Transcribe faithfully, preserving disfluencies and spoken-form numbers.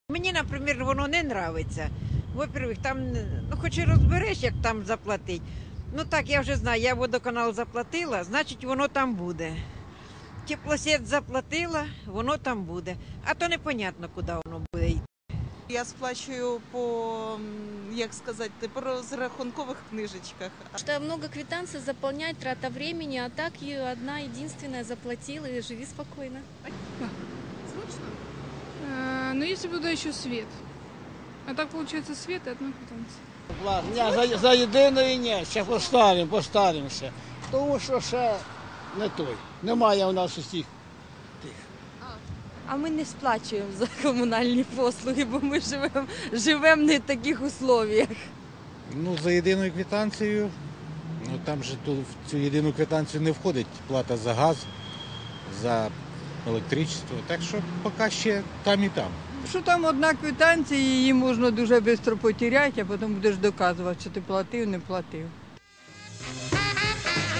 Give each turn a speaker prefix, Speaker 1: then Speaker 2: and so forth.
Speaker 1: Мені, наприклад, воно не подобається. Во-первых, там, ну хоч і розбереш, як там заплатити. Ну так, я вже знаю, я водоканал заплатила, значить воно там буде. Теплосеть заплатила, воно там буде. А то непонятно, куди воно буде йти.
Speaker 2: Я сплачую по, м, як сказати, по розрахункових книжечках.
Speaker 3: Что много квитанций заполнять, трата времени, а так и одна единственная заплатила и живи спокойно.
Speaker 4: Э, Ну, если бы туда еще свет. А так получается свет и одна квитанция.
Speaker 5: Ні, за, за єдиної ні, ще постарим, постаримося. Тому що ще не той. Немає у нас усіх.
Speaker 6: А ми не сплачуємо за комунальні послуги, бо ми живемо живем не в таких условіях.
Speaker 7: Ну, за єдиною квитанцією, ну там же тут в цю єдину квитанцію не входить плата за газ, за електричество. Так що поки ще там і там.
Speaker 8: Що там одна квитанція, її можна дуже швидко потеряти, а потім будеш доказувати, що ти платив, не платив.